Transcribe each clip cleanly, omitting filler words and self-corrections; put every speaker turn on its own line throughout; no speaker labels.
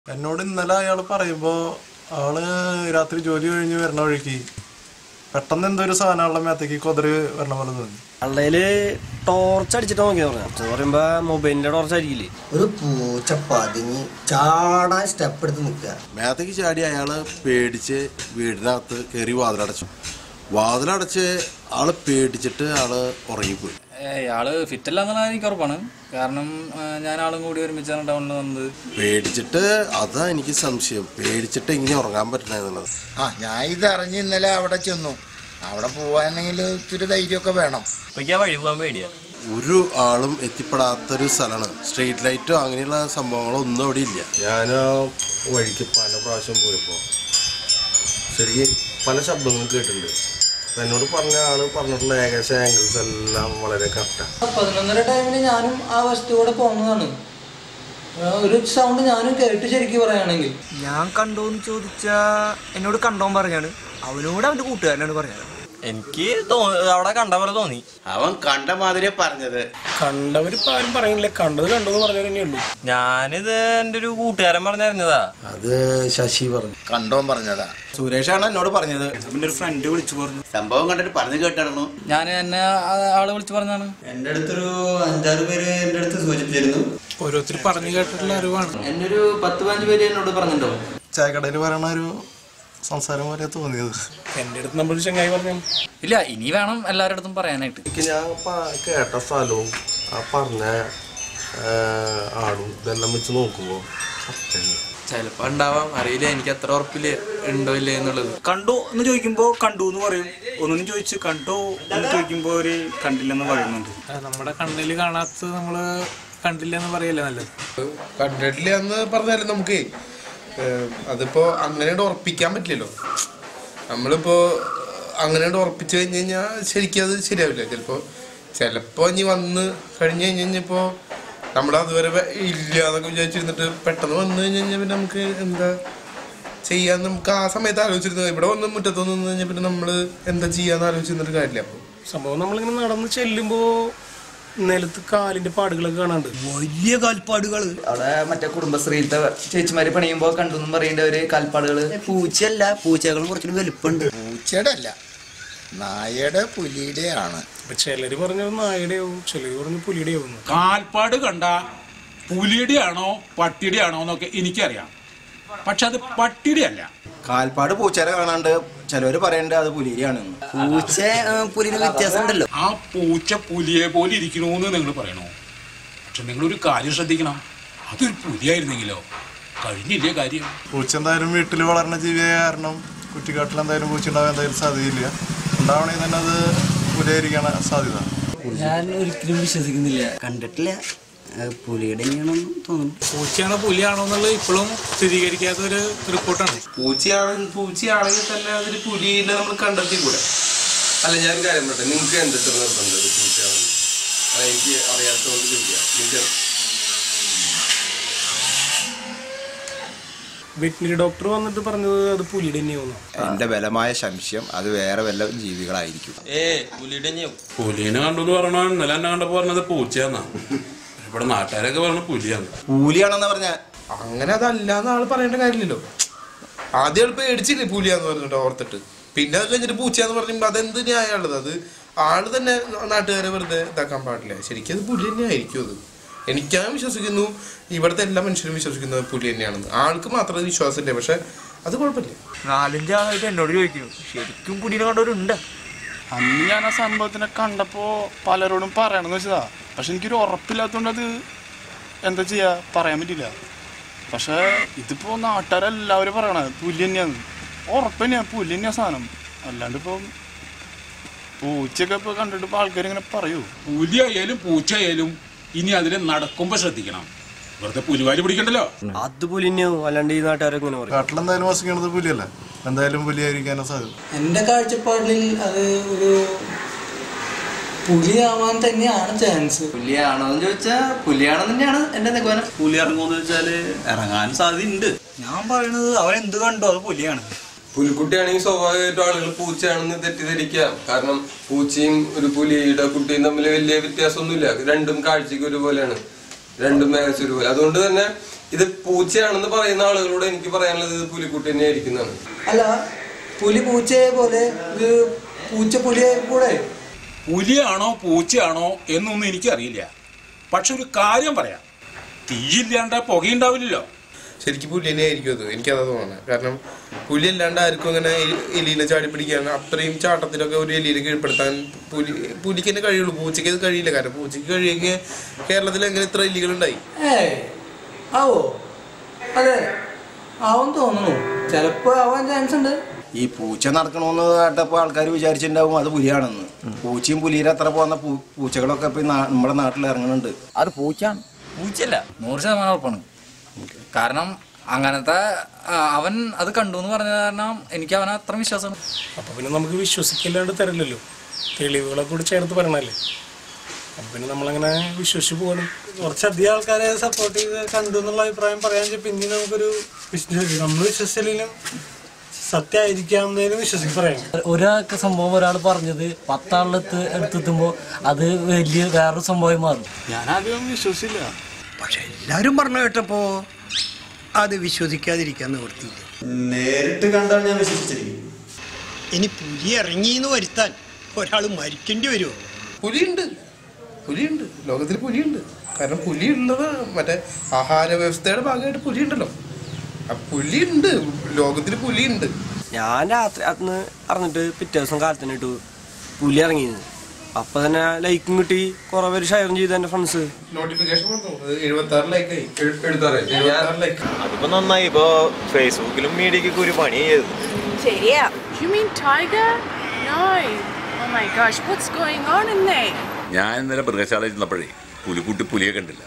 എന്നോട് ഇന്നലെ അയാൾ പറയുമ്പോൾ ആള് രാത്രി ജോലി കഴിഞ്ഞ് വരണ വഴിക്ക് പെട്ടെന്ന് എന്തൊരു സാധനമുള്ള മേത്തേക്ക് കൊതറ് വരണ പോലെ തോന്നി.
അള്ളയില് ടോർച്ച് അടിച്ചിട്ട് നോക്കി പറയുമ്പോ മൊബൈലിന്റെ ടോർച്ച് ആയിരിക്കില്ലേ.
ഒരു പൂച്ച പതിഞ്ഞ് ചാടാൻ സ്റ്റെപ്പ് എടുത്ത് നിൽക്കുക.
മേത്തേക്ക് ചാടി അയാള് പേടിച്ച് വീടിനകത്ത് കയറി വാതിലടച്ച് ആള് പേടിച്ചിട്ട് ആള് ഉറങ്ങിപ്പോയി.
ആള് ഫിറ്റല്ലാന്നുള്ള എനിക്ക് ഉറപ്പാണ്. കാരണം ഞാൻ ആളും കൂടി ഒരുമിച്ചാണ് ടൗണിൽ വന്നത്.
പേടിച്ചിട്ട് അതാ എനിക്ക് സംശയം, പേടിച്ചിട്ട് ഇങ്ങനെ ഉറങ്ങാൻ പറ്റണെന്നുള്ളത്.
ഞാൻ ഇത് അറിഞ്ഞ് ഇന്നലെ അവിടെ ചെന്നു. അവിടെ പോവാനെങ്കിൽ ഇത്തിരി ധൈര്യമൊക്കെ വേണം.
വഴി പോകാൻ പേടിയാ.
ഒരു ആളും എത്തിപ്പെടാത്തൊരു സ്ഥലമാണ്. സ്ട്രീറ്റ് ലൈറ്റോ അങ്ങനെയുള്ള സംഭവങ്ങളോ ഒന്നും അവിടെ ഇല്ല. ഞാൻ വഴിക്ക് പല പ്രാവശ്യം പോയപ്പോൾ ശരിക്കും പല ശബ്ദങ്ങളും കേട്ടിട്ടുണ്ട്. എന്നോട് പറഞ്ഞ ആള് പറഞ്ഞിട്ടുള്ള ഏകദേശം ആംഗിൾസ് എല്ലാം വളരെ കറക്റ്റാണ്.
11:30 ടൈമിന് ഞാനും ആ വസ്തുവിടെ പോകുന്നതാണ്. ഒരു സൗണ്ട് ഞാനും കേട്ട് ശരിക്കും പറയുകയാണെങ്കിൽ.
ഞാൻ കണ്ടോന്ന് ചോദിച്ചാ എന്നോട് കണ്ടോൻ പറഞ്ഞാണ്. അവനോട് അവന്റെ കൂട്ടുകാരനാണ് പറഞ്ഞത്.
എനിക്ക് അവിടെ കണ്ട പോലെ തോന്നി.
അവൻ കണ്ട മാതിരിയെ പറഞ്ഞത്.
കണ്ടവരിപ്പോ ആരും പറയുന്നില്ല, കണ്ടത് കണ്ടെന്ന് പറഞ്ഞത് തന്നെയുള്ളൂ.
ഞാനിത് എന്റെ ഒരു കൂട്ടുകാരൻ പറഞ്ഞറിഞ്ഞതാ.
അത് ശശി പറഞ്ഞു.
കണ്ടോൻ പറഞ്ഞതാ.
സുരേഷാണ് എന്നോട് പറഞ്ഞത്.
പിന്നെ ഒരു ഫ്രണ്ട് വിളിച്ചു പറഞ്ഞു.
സംഭവം കണ്ടിട്ട് പറഞ്ഞു കേട്ടായിരുന്നു.
ഞാൻ എന്നെ ആള് വിളിച്ച് പറഞ്ഞതാണ്.
എൻ്റെ അടുത്തൊരു 5-6 പേര് എൻ്റെ അടുത്ത് സൂചിപ്പിച്ചിരുന്നു.
ഓരോരുത്തർ പറഞ്ഞു കേട്ടിട്ടുള്ള അറിവാണ്.
എന്നെ ഒരു 10-15 പേര് എന്നോട് പറഞ്ഞിട്ടുണ്ടോ.
ചായക്കടയിൽ പറയണ ഒരു സംസാരം പോലെ തോന്നിയത്.
എൻ്റെ അടുത്ത് നമ്മളൊരു ചങ്ങായി പറഞ്ഞു.
ഇല്ല, ഇനി വേണം എല്ലാവരുടെ അടുത്തും പറയാനായിട്ട്.
എനിക്ക് ഞാൻ കേട്ട സ്ഥലവും ആ പറഞ്ഞ ആളും ഇതെല്ലാം വെച്ച് നോക്കുമ്പോൾ
ചിലപ്പോ ഉണ്ടാവാം, അറിയില്ല. എനിക്ക് അത്ര ഉറപ്പില്ല ഉണ്ടോ ഇല്ലേ എന്നുള്ളത്.
കണ്ടു എന്ന് ചോദിക്കുമ്പോ കണ്ടു എന്ന് പറയും. ഒന്നും ചോദിച്ചു കണ്ടോ എന്ന് ചോദിക്കുമ്പോ ഒരു കണ്ടില്ലെന്ന് പറയുന്നുണ്ട്. നമ്മുടെ കണ്ണിൽ കാണാത്തത് നമ്മള് കണ്ടില്ല എന്ന് പറയല്ലേ നല്ലത്.
കണ്ടിട്ടില്ല എന്ന് പറഞ്ഞാലും നമുക്ക് അതിപ്പോ അങ്ങനെ ഉറപ്പിക്കാൻ പറ്റില്ലല്ലോ. നമ്മളിപ്പോ അങ്ങനെ ഉറപ്പിച്ചു കഴിഞ്ഞ് കഴിഞ്ഞാൽ ശരിക്കും അത് ശരിയാവില്ല. ചിലപ്പോ ഇനി വന്ന് കഴിഞ്ഞ് കഴിഞ്ഞപ്പോ നമ്മളതുവരെ ഇല്ല എന്നൊക്കെ വിചാരിച്ചിരുന്നിട്ട് പെട്ടെന്ന് വന്നു കഴിഞ്ഞ് കഴിഞ്ഞാൽ പിന്നെ നമുക്ക് എന്താ ചെയ്യാന്ന് നമുക്ക് ആ സമയത്ത് ആലോചിച്ചിരുന്നത്. ഇവിടെ വന്ന് മുറ്റത്തൊന്ന് നിന്ന് കഴിഞ്ഞാൽ പിന്നെ നമ്മള് എന്താ ചെയ്യാന്ന് ആലോചിച്ചിരുന്നിട്ട് കാര്യമില്ല. അപ്പൊ
സംഭവം നമ്മളിങ്ങനെ നടന്ന് ചെല്ലുമ്പോ നിലത്ത് കാലിന്റെ പാടുകളൊക്കെ കാണാണ്ട്,
വലിയ കാൽപ്പാടുകള്.
അവിടെ മറ്റേ കുടുംബശ്രീയിലത്തെ ചേച്ചിമാര് പണിയുമ്പോ കണ്ടെന്നും പറയേണ്ട ഒരു കാൽപ്പാടുകള്.
പൂച്ചയല്ല, പൂച്ചകളും കുറച്ചുകൂടി വലുപ്പുണ്ട്.
പൂച്ചയുടെ അല്ല, നായയുടെ പുലിയുടെ ആണ്.
ചിലര് പറഞ്ഞത് നായയുടെയാവും, ചിലര് പറഞ്ഞു പുലിയുടെയാവും.
കാൽപ്പാട് കണ്ട പുലിയുടെ ആണോ പട്ടിയുടെ ആണോ എന്നൊക്കെ എനിക്കറിയാം. പക്ഷെ അത് പട്ടിയുടെ അല്ല.
കാൽപ്പാട് പൂച്ചേരെ കാണാണ്ട് ചിലവര് പറയണ്ട അത് പുലിയാണെന്ന്.
പൂച്ച പുലിന് വ്യത്യാസം ഉണ്ടല്ലോ.
ആ പൂച്ച പുലിയെ പോലെ ഇരിക്കണോന്ന് നിങ്ങൾ പറയണോ? പക്ഷെ നിങ്ങളൊരു കാര്യം ശ്രദ്ധിക്കണം, അതൊരു പുലിയായിരുന്നെങ്കിലോ കഴിഞ്ഞില്ലേ കാര്യം.
പൂച്ച എന്തായാലും വീട്ടിൽ വളർന്ന ജീവിയായ കാരണം കുറ്റിക്കാട്ടിൽ എന്തായാലും പൂച്ച ഉണ്ടാവാൻ എന്തായാലും സാധ്യതയില്ല. ഉണ്ടാവണമെങ്കിൽ തന്നെ അത് പുലിയായിരിക്കാണ് സാധ്യത.
ഞാൻ ഒരിക്കലും വിശ്വസിക്കുന്നില്ല. കണ്ടിട്ടില്ല, പുലിയുടെ തന്നെയാണെന്ന് തോന്നുന്നു.
പൂച്ചയാണോ പുലിയാണോ എന്നുള്ളത് ഇപ്പോഴും സ്ഥിരീകരിക്കാത്ത ഒരു റിപ്പോർട്ടാണ്.
പൂച്ചയാണെങ്കിൽ തന്നെ അതൊരു പുലിനെ നമ്മൾ കണ്ടെത്തിക്കൂടെ? അല്ല, ഞാനൊരു കാര്യം പറയട്ടെ, നിങ്ങൾക്ക് എന്തൊക്കെ നിർബന്ധം ഒരു പൂച്ചയാണെന്ന്? എനിക്ക് അറിയാത്തതുകൊണ്ട് ചോദിക്കാം.
വെറ്റിനറി ഡോക്ടർ വന്നിട്ട് പറഞ്ഞത് അത് പുലിയുടെ തന്നെയാവുന്നു.
എന്റെ ബലമായ സംശയം അത് വേറെ വല്ല ജീവികളായിരിക്കും.
പുലിനെ കണ്ടെന്ന് പറഞ്ഞ ഇന്നലെ എന്നെ കണ്ടപ്പോ പറഞ്ഞത് പൂച്ചയാന്നാ. ഇവിടെ നാട്ടുകാരൊക്കെ പറഞ്ഞ പുലിയാണ്.
പുലിയാണെന്ന് പറഞ്ഞ
അങ്ങനെ അതല്ലാന്ന് ആള് പറയേണ്ട കാര്യമില്ലല്ലോ. ആദ്യം ആൾ പേടിച്ചില്ലേ പുലിയാന്ന് പറഞ്ഞിട്ട് ഓർത്തിട്ട്, പിന്നെ അത് കഴിഞ്ഞിട്ട് പൂച്ചയാന്ന് പറയുമ്പോ അതെന്ത് ന്യായമുള്ളത്? അത് ആള് തന്നെ നാട്ടുകാരെ വെറുതെ ഇതാക്കാൻ പാടില്ല. ശരിക്കും അത് പുലി തന്നെ ആയിരിക്കും. അത് എനിക്കാൻ വിശ്വസിക്കുന്നു, ഇവിടുത്തെ എല്ലാ മനുഷ്യരും വിശ്വസിക്കുന്നത് പുലി തന്നെയാണെന്ന്. ആൾക്ക് മാത്രമേ വിശ്വാസമില്ല, പക്ഷെ അത് കുഴപ്പമില്ല.
4-5 ആളായിട്ട് എന്നോട് ചോദിക്കുന്നു, ശരിക്കും പുലിനെ കണ്ടവരുണ്ട്.
അന്ന് ഞാൻ ആ സംഭവത്തിനെ കണ്ടപ്പോ പലരോടും പറയണമെന്ന് വെച്ചതാ. പക്ഷെ എനിക്കൊരു ഉറപ്പില്ലാത്തതുകൊണ്ട് അത് എന്താ ചെയ്യാ, പറയാൻ പറ്റില്ല. പക്ഷെ ഇതിപ്പോ നാട്ടുകാരെല്ലാവരും പറയണത് പുലി തന്നെയാണ്. ഉറപ്പ് തന്നെയാ, പുലി തന്നെയാ സാധനം. അല്ലാണ്ട് ഇപ്പൊ പൂച്ചയൊക്കെ ഇപ്പൊ കണ്ടിട്ട് ഇപ്പൊ ആൾക്കാർ ഇങ്ങനെ പറയൂ.
പുലിയായാലും പൂച്ചയായാലും ഇനി അതിനെ നടക്കുമ്പോ ശ്രദ്ധിക്കണം. വെറുതെ പുലിവാലി പിടിക്കണ്ടല്ലോ.
അത് പുലി തന്നെയാവും, അല്ലാണ്ട് ഈ നാട്ടുകാരൊക്കെ ഇങ്ങനെ പറയും.
കാട്ടിലെന്തായാലും വസിക്കണത് പുലിയല്ല, എന്തായാലും പുലിയായിരിക്കാനാണ് സാധ്യത.
എന്റെ കാഴ്ചപ്പാടിൽ അത് ഒരു പുലിയാവാൻ തന്നെയാണ് ചാൻസ്.
പുലിയാണോ എന്ന് ചോദിച്ചാൽ പുലിയാണെന്ന് തന്നെയാണ് എന്റെ നിഗമനം.
പുലി ഇറങ്ങുമെന്ന് വെച്ചാല് ഇറങ്ങാൻ സാധ്യതയുണ്ട്.
ഞാൻ പറയണത് അവരെന്ത് കണ്ടോ അത് പുലിയാണ്.
പുലിക്കുട്ടിയാണെങ്കിൽ സ്വാഭാവികമായിട്ടും ആളുകൾ പൂച്ചയാണെന്ന് തെറ്റിദ്ധരിക്കാം. കാരണം പൂച്ചയും ഒരു പുലിയുടെ കുട്ടിയും തമ്മിൽ വലിയ വ്യത്യാസമൊന്നുമില്ല. രണ്ടും കാഴ്ചക്ക് ഒരുപോലെയാണ്, രണ്ടും ഏകദേശം ഒരുപോലെ. അതുകൊണ്ട് തന്നെ
ഇത് പൂച്ചയാണെന്ന് പറയുന്ന ആളുകളോട് എനിക്ക് പറയാനുള്ളത് ഇത് പുലിക്കുട്ടി തന്നെ ആയിരിക്കുന്നതാണ്.
അല്ല പുലി പൂച്ചയെ പോലെ ഇത് പൂച്ച പുലിയെ കൂടെ.
പുലിയാണോ പൂച്ചയാണോ എന്നൊന്നും എനിക്കറിയില്ല. പക്ഷെ ഒരു കാര്യം പറയാം, തീയില്ലാണ്ട് പുകയുണ്ടാവില്ലല്ലോ.
ശരിക്കും പുലി തന്നെ ആയിരിക്കും അത്, എനിക്കതാ തോന്നുന്നത്. കാരണം പുലി അല്ലാണ്ട് ആർക്കും അങ്ങനെ എലീനെ ചാടി പിടിക്കാൻ അത്രയും ചാട്ടത്തിലൊക്കെ ഒരു എലീനെ കീഴ്പ്പെടുത്താൻ പുലിക്ക് തന്നെ കഴിയുള്ളൂ. പൂച്ചയ്ക്ക് അത് കഴിയില്ല. കാരണം പൂച്ചയ്ക്ക് കഴിയെങ്കിൽ കേരളത്തിൽ എങ്ങനെ ഇത്ര എലികളുണ്ടായി?
ആവോ? അതെ ആവും തോന്നുന്നു, ചിലപ്പോ ആവാൻ ചാൻസ് ഉണ്ട്.
ഈ പൂച്ച നടക്കണമെന്ന് കേട്ടപ്പോൾ ആൾക്കാർ വിചാരിച്ചിട്ടുണ്ടാവും അത് പുലിയാണെന്ന്. പൂച്ചയും പുലിയുടെ അത്ര പോകുന്ന പൂച്ചകളൊക്കെ ഇപ്പൊ നമ്മുടെ നാട്ടിൽ ഇറങ്ങുന്നുണ്ട്.
അത് പൂച്ചയാണ്, പൂച്ചയല്ല. 100% ഉറപ്പാണ്. കാരണം അങ്ങനത്തെ അവൻ അത് കണ്ടു എന്ന് പറഞ്ഞ കാരണം എനിക്ക് അവനെ അത്ര വിശ്വാസമാണ്.
അപ്പൊ പിന്നെ നമുക്ക് വിശ്വസിക്കില്ലാണ്ട് തരില്ലല്ലോ, തെളിവുകളെ കൂടി ചേർത്ത് പറയണല്ലേ. അപ്പൊ പിന്നെ നമ്മളങ്ങനെ വിശ്വസിച്ച് പോകണം. കുറച്ചധികം ആൾക്കാരെ സപ്പോർട്ട് ചെയ്ത് കണ്ടു എന്നുള്ള അഭിപ്രായം പറയാൻ പിന്നെ നമുക്കൊരു നമ്മൾ വിശ്വസിച്ചില്ലെങ്കിലും സത്യമായിരിക്കാവുന്നതിനും വിശ്വസിച്ച് പറയാം.
ഒരാൾക്ക് സംഭവം ഒരാൾ പറഞ്ഞത് 10 ആളിലെത്ത് എടുത്തെത്തുമ്പോൾ അത് വലിയ വേറൊരു സംഭവമായി മാറും.
ഞാനാദ്യം വിശ്വസിച്ചില്ല.
പക്ഷെ എല്ലാവരും പറഞ്ഞു കേട്ടപ്പോ അത് വിശ്വസിക്കാതിരിക്കാൻ നിവൃത്തിയില്ല.
നേരിട്ട് കണ്ടാൽ ഞാൻ വിശ്വസിച്ചിരിക്കും.
ഇനി പുലി ഇറങ്ങിന്ന് വരുത്താൻ ഒരാൾ മരിക്കേണ്ടി വരുമോ?
പുലിയുണ്ട്, പുലിയുണ്ട്, ലോകത്തിൽ പുലിയുണ്ട്. കാരണം പുലി ഉള്ളത് മറ്റേ ആഹാര വ്യവസ്ഥയുടെ ഭാഗമായിട്ട് പുലിയുണ്ടല്ലോ. ആ പുലിയുണ്ട്, ലോകത്തിൽ പുലിയുണ്ട്.
ഞാൻ രാത്രി അന്ന് അറിഞ്ഞിട്ട് പിറ്റേ ദിവസം കാലത്തിന് ഇട്ടു പുലി ഇറങ്ങിയത്. അപ്പൊ തന്നെ ലൈക്കും കിട്ടി, കുറെ പേര് ഷെയറും ചെയ്തു എന്റെ ഫ്രണ്ട്സ്.
നോട്ടിഫിക്കേഷൻ വന്നു 76 ലൈക്കായി.
അതിപ്പോ നന്നായി. ഇപ്പൊ ഫേസ്ബുക്കിലും മീഡിയക്കൊക്കെ ഒരു പണി ചെയ്തു.
ശരിയാ. You mean tiger? No. Oh my gosh, what's going on in there?
ഞാൻ ഇന്നലെ മൃഗശാലയിൽ ചെന്നപ്പോഴേ പുലിക്കുട്ടി പുലിയെ കണ്ടില്ല.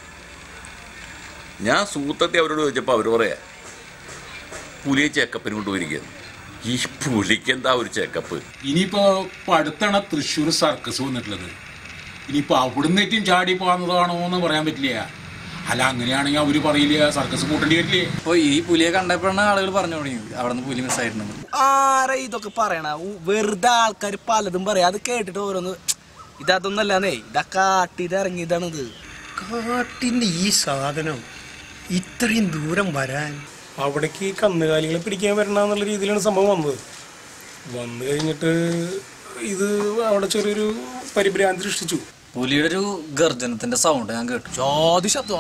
ഞാൻ സൂത്രത്തെ അവരോട് ചോദിച്ചപ്പോൾ അവർ പറയാ പുലിയെ ചെക്കപ്പിന് കൊണ്ടുപോയിരിക്കുന്നു. ഈ പുലിക്ക് എന്താ ഒരു ചെക്കപ്പ്?
ഇനിയിപ്പോ അടുത്താണ് തൃശ്ശൂർ സർക്കസ് വന്നിട്ടുള്ളത്. ഇനിയിപ്പോ അവിടുന്നേറ്റും ചാടി പോകുന്നതാണോ എന്ന് പറയാൻ പറ്റില്ല. അല്ല അങ്ങനെയാണെങ്കിൽ അവര് പറയില്ല സർക്കസ് കൂട്ടേണ്ടി വരില്ലേ.
അപ്പൊ ഈ പുലിയെ കണ്ടപ്പോഴാണ് ആളുകൾ പറഞ്ഞു തുടങ്ങി അവിടെ നിന്ന് പുലി മിസ്സായിട്ടുണ്ട്.
ആരാ ഇതൊക്കെ പറയണ? വെറുതെ ആൾക്കാർ പലതും പറയാം. അത് കേട്ടിട്ട് ഓരോന്ന് ഇതൊന്നല്ലേ, ഇതൊക്കെ കാട്ടിട്ട് ഇറങ്ങിയതാണിത്.
കാട്ടിന്റെ ഈ സാധനം ഇത്രയും ദൂരം വരാൻ
അവിടേക്ക് കന്നുകാലികളെ പിടിക്കാൻ വരണമെന്നുള്ള രീതിയിലാണ് സംഭവം വന്നത്. വന്നു കഴിഞ്ഞിട്ട് ഇത് അവിടെ ചെറിയൊരു പരിഭ്രാന്തി സൃഷ്ടിച്ചു.
പുലിയുടെ ഒരു ഗർജനത്തിന്റെ സൗണ്ട് ഞാൻ കേട്ടു.
ജാതി ശബ്ദം,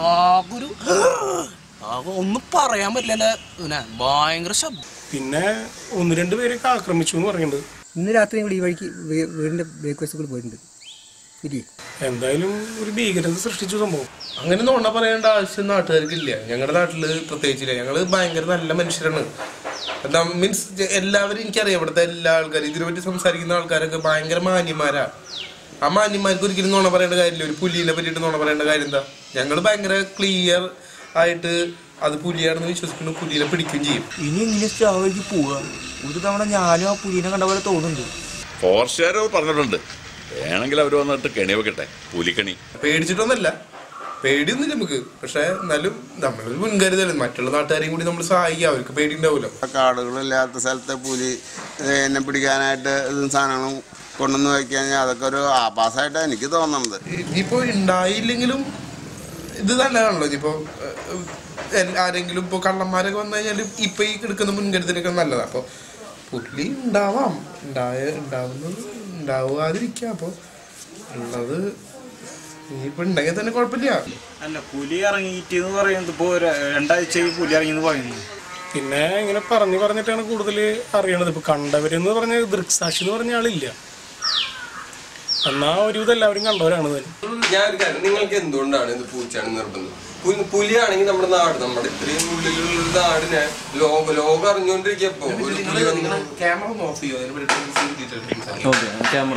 ഒന്നും പറയാൻ പറ്റില്ല, ഭയങ്കര ശബ്ദം.
പിന്നെ 1-2 പേരൊക്കെ ആക്രമിച്ചു എന്ന് പറയുന്നുണ്ട്.
ഇന്ന് രാത്രി ഇവിടെ ഈ വഴിക്ക് വീടിന്റെ ബ്രേക്ക്ഫാസ്റ്റ് കൂടി പോയിട്ടുണ്ട്.
എന്തായാലും ഒരു ഭീകരത സൃഷ്ടിച്ചു സംഭവം.
അങ്ങനെ നോണ പറയേണ്ട ആവശ്യം നാട്ടുകാർക്കില്ല. ഞങ്ങളുടെ നാട്ടില് പ്രത്യേകിച്ചില്ല. ഞങ്ങള് ഭയങ്കര നല്ല മനുഷ്യരാണ്. എന്താ മീൻസ് എല്ലാവരും എനിക്കറിയാം. ഇവിടുത്തെ എല്ലാ ആൾക്കാരും ഇതിനെപ്പറ്റി സംസാരിക്കുന്ന ആൾക്കാരൊക്കെ ഭയങ്കര മാന്യന്മാരാ. ആ മാന്യന്മാർക്ക് ഒരിക്കലും നോണ പറയേണ്ട കാര്യമില്ല. ഒരു പുലിനെ പറ്റിയിട്ട് നോണ പറയേണ്ട കാര്യം എന്താ? ഞങ്ങൾ ഭയങ്കര ക്ലിയർ ആയിട്ട് അത് പുലിയാണെന്ന് വിശ്വസിക്കുന്നു, പുലിനെ പിടിക്കുകയും ചെയ്യും.
ഇനി ഇങ്ങനെ സ്റ്റാവിലേക്ക് പോവാ. ഒരു തവണ ഞാനും ആ പുലിനെ കണ്ട പോലെ തോന്നുന്നുണ്ട്.
ഫോറസ്റ്റുകാർ പറഞ്ഞിട്ടുണ്ട് വേണമെങ്കിൽ അവർ വന്നിട്ട് കെണി വെക്കട്ടെ, പുലിക്കണി.
പേടിച്ചിട്ടൊന്നല്ല, പേടിയൊന്നുമില്ല നമുക്ക്. പക്ഷെ എന്നാലും നമ്മളൊരു മുൻകരുതലും മറ്റുള്ള നാട്ടുകാരെയും കൂടി നമ്മൾ സഹായിക്കുക. അവർക്ക് പേടി ഉണ്ടാവില്ല.
കാടുകളില്ലാത്ത സ്ഥലത്തെ പുലി എന്നെ പിടിക്കാനായിട്ട് സാധനങ്ങളും കൊണ്ടുവന്ന് വയ്ക്കാൻ അതൊക്കെ ഒരു ആഭാസമായിട്ടാണ് എനിക്ക് തോന്നുന്നത്.
ഇനിയിപ്പോ ഉണ്ടായില്ലെങ്കിലും ഇത് നല്ലതാണല്ലോ. ഇനിയിപ്പോ ആരെങ്കിലും ഇപ്പൊ കള്ളന്മാരൊക്കെ വന്നു കഴിഞ്ഞാൽ ഇപ്പൊ ഈ എടുക്കുന്ന മുൻകരുതലൊക്കെ നല്ലതാണ്. അപ്പൊ പുലി ഉണ്ടാവാം, ഉണ്ടാവാതിരിക്കാം. അപ്പൊ ഉള്ളത് ഇനിയിപ്പോ ഉണ്ടെങ്കിൽ തന്നെ കുഴപ്പമില്ല.
അല്ല പുലി ഇറങ്ങിയിട്ട് എന്ന് പറയുന്നത് ഇപ്പോ 2 ആഴ്ച പുലി ഇറങ്ങിന്ന് പറയുന്നു. പിന്നെ ഇങ്ങനെ പറഞ്ഞിട്ടാണ് കൂടുതൽ അറിയണത്. ഇപ്പൊ കണ്ടവരെന്ന് പറഞ്ഞ ദൃക്സാക്ഷി എന്ന് പറഞ്ഞ ആളില്ല. എന്നാ ഒരുവിധം എല്ലാവരും കണ്ടവരാണ്.
ഞാൻ നിങ്ങൾക്ക് എന്തുകൊണ്ടാണ് ഇത് പൂച്ചയാണ് നിർബന്ധം? പുലിയാണെങ്കിൽ നമ്മുടെ നാട്, നമ്മുടെ ഇത്രയും ഉള്ളിലുള്ള നാടിനെ ലോകം അറിഞ്ഞുകൊണ്ടിരിക്കപ്പോ ഒരു പുലി വന്നു.
ക്യാമറ ഓഫ് ചെയ്യോ?
ക്യാമറ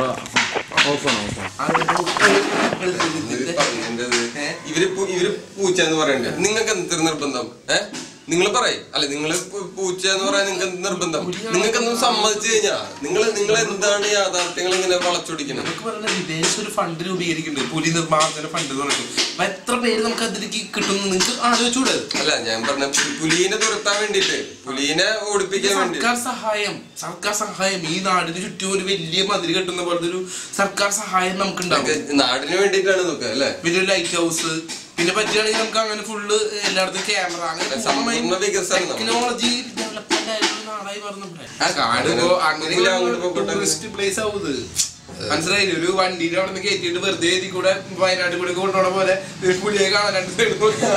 ഇവര് പൂച്ച എന്ന് പറയണ്ടേ? നിങ്ങൾക്ക് എന്ത് നിർബന്ധം? നിങ്ങൾ പറയും അല്ലെ, നിങ്ങൾ പൂച്ച എന്ന് പറയാൻ നിങ്ങൾക്ക് എന്ത് നിർബന്ധം? നിങ്ങൾക്കൊന്നും സമ്മതിച്ചു കഴിഞ്ഞാ നിങ്ങൾ എന്താണ് യാഥാർത്ഥ്യങ്ങൾ ഇങ്ങനെ വളച്ചൊടിക്കുന്നത്?
വിദേശ ഒരു ഫണ്ട് രൂപീകരിക്കുന്നുണ്ട്, പുലി നിർമ്മാർജ്ജന ഫണ്ട് എന്ന് പറഞ്ഞിട്ട്. എത്ര പേര് നമുക്ക് അതിലേക്ക് കിട്ടുന്നു നിങ്ങൾക്ക് ആലോചിച്ചൂടെ?
അല്ല ഞാൻ പറഞ്ഞ പുലിനെ തുരത്താൻ വേണ്ടിട്ട്, പുലിനെ ഓടിപ്പിക്കാൻ വേണ്ടി
സർക്കാർ സഹായം ഈ നാടിന് ചുറ്റും ഒരു വലിയ മതിൽ കെട്ടുന്ന പോലത്തെ ഒരു സർക്കാർ സഹായം നമുക്ക് ഉണ്ടാവും.
നാടിന് വേണ്ടിയിട്ടാണ് നോക്കുക അല്ലെ?
വലിയൊരു ലൈറ്റ് ഹൗസ്, പിന്നെ പറ്റുകയാണെങ്കിൽ നമുക്ക് അങ്ങനെ ഫുള്ള് എല്ലായിടത്തും ക്യാമറ അങ്ങനെ ടെക്നോളജി ഡെവലപ്മെന്റ് ആയിട്ടുള്ള നാടായി പറഞ്ഞു. കാട് ഇപ്പോ അങ്ങനെ ടൂറിസ്റ്റ് പ്ലേസ് ആവും. മനസ്സിലായില്ലേ? ഒരു വണ്ടിയുടെ അവിടെ നിന്ന് കയറ്റിയിട്ട് വെറുതെ ഇതിൽ കൂടെ വയനാട്ടിൽ കൂടെ കൊണ്ടുപോണ പോലെ പുലിയെ കാണാൻ 2 സൈഡ്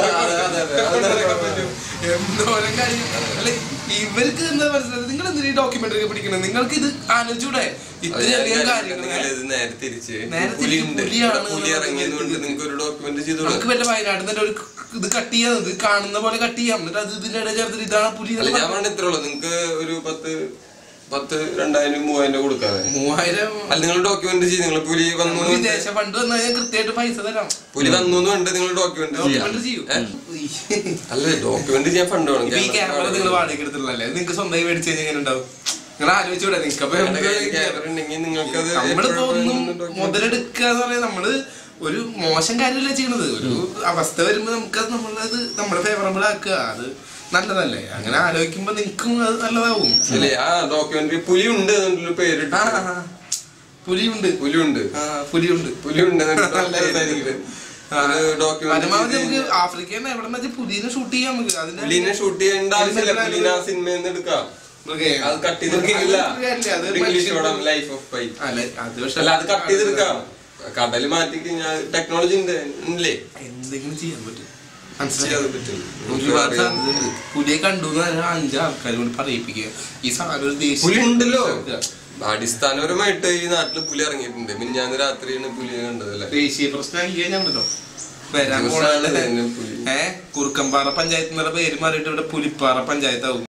എന്തോരം കാര്യം അല്ലെ. ഇവർക്ക് എന്താ മനസ്സിലായത്? നിങ്ങൾ എന്തിനാ ഡോക്യുമെന്ററി ഒക്കെ പിടിക്കുന്നത്? നിങ്ങൾക്ക് ഇത് ആലോചിച്ചൂടെ? ഇത്രയധികം കാര്യങ്ങൾ നമുക്ക് വല്ല വയനാട്ടിൽ തന്നെ ഒരു ഇത് കട്ട് ചെയ്യാം, ഇത് കാണുന്ന പോലെ കട്ട് ചെയ്യാം. എന്നിട്ട് അത് ഇതിന്റെ ഇടയിൽ ചേർത്തിട്ട് ഇതാണ് പുലി.
ഞാൻ പറഞ്ഞ ഇത്രേ ഉള്ളൂ. നിങ്ങൾക്ക് ഒരു 10,000-3,000 കൊടുക്കാതെ
3000
അല്ല നിങ്ങൾ ഡോക്യുമെന്റ് ചെയ്യും. നിങ്ങൾ പുലി വന്നു
വിദേശ ഫണ്ട് വന്നാൽ കൃത്യമായിട്ട് പൈസ തരാം.
പുലി വന്നു കണ്ട് നിങ്ങൾ ഡോക്യുമെന്റ്
ചെയ്യും.
അല്ല ഡോക്യുമെന്റ് ചെയ്യാൻ ഫണ്ട് വേണം.
ഈ ക്യാമറ നിങ്ങൾ വാടകയ്ക്ക് എടുത്തിട്ടുള്ളല്ലേ? നിങ്ങൾക്ക് സ്വന്തമായി മേടിച്ചു കഴിഞ്ഞാൽ എങ്ങനെ ഉണ്ടാവും? നിങ്ങൾ ആലോചിച്ചൂടെ? നിങ്ങൾക്ക് നമ്മളിപ്പോ ഒന്നും മുതലെടുക്കുക എന്ന് പറയാൻ നമ്മള് ഒരു മോശം കാര്യമല്ല ചെയ്യണത്. ഒരു അവസ്ഥ വരുമ്പോ നമുക്കത് നമ്മളത് നമ്മുടെ ഫേവറബിൾ ആക്കുക. അത് നല്ലതല്ലേ? അങ്ങനെ ആലോചിക്കുമ്പോ നിനക്കും അത് നല്ലതാവും.
ഡോക്യുമെന്ററി പുലിയുണ്ട് പേരിട്ട്
പുലിയുണ്ട് പരമാവധി നമുക്ക് ആഫ്രിക്കയിൽ എവിടെ വെച്ചാൽ പുലിനെ ഷൂട്ട് ചെയ്യാം. നമുക്ക്
പുലിനെ ഷൂട്ട് ചെയ്യേണ്ട ആവശ്യമില്ല. പുലിനെ ആ സിനിമയിൽ നിന്ന് എടുക്കാം. അത് കട്ട് ചെയ്തെടുക്കാം. കടല് മാറ്റി കഴിഞ്ഞാൽ ടെക്നോളജി ഉണ്ടല്ലേ?
എന്തെങ്കിലും ചെയ്യാൻ പറ്റും. ഒരുപാട് സാധ്യതയുണ്ട്. പുലിയെ കണ്ടു 5 ആൾക്കാരെ കൊണ്ട് പറയിപ്പിക്കുക. ഈ സാധനം
പുലി ഉണ്ടല്ലോ. അടിസ്ഥാനപരമായിട്ട് ഈ നാട്ടില് പുലി ഇറങ്ങിയിട്ടുണ്ട്. മിനിഞ്ഞാന്ന് രാത്രിയാണ് പുലിയെ കണ്ടതല്ലേ?
ദേശീയ പ്രശ്നമാണല്ലോ വരാൻ പോണ. കുറുക്കമ്പാറ പഞ്ചായത്ത് എന്നുള്ള പേര് മാറിയിട്ട് ഇവിടെ പുലിപ്പാറ പഞ്ചായത്താവും.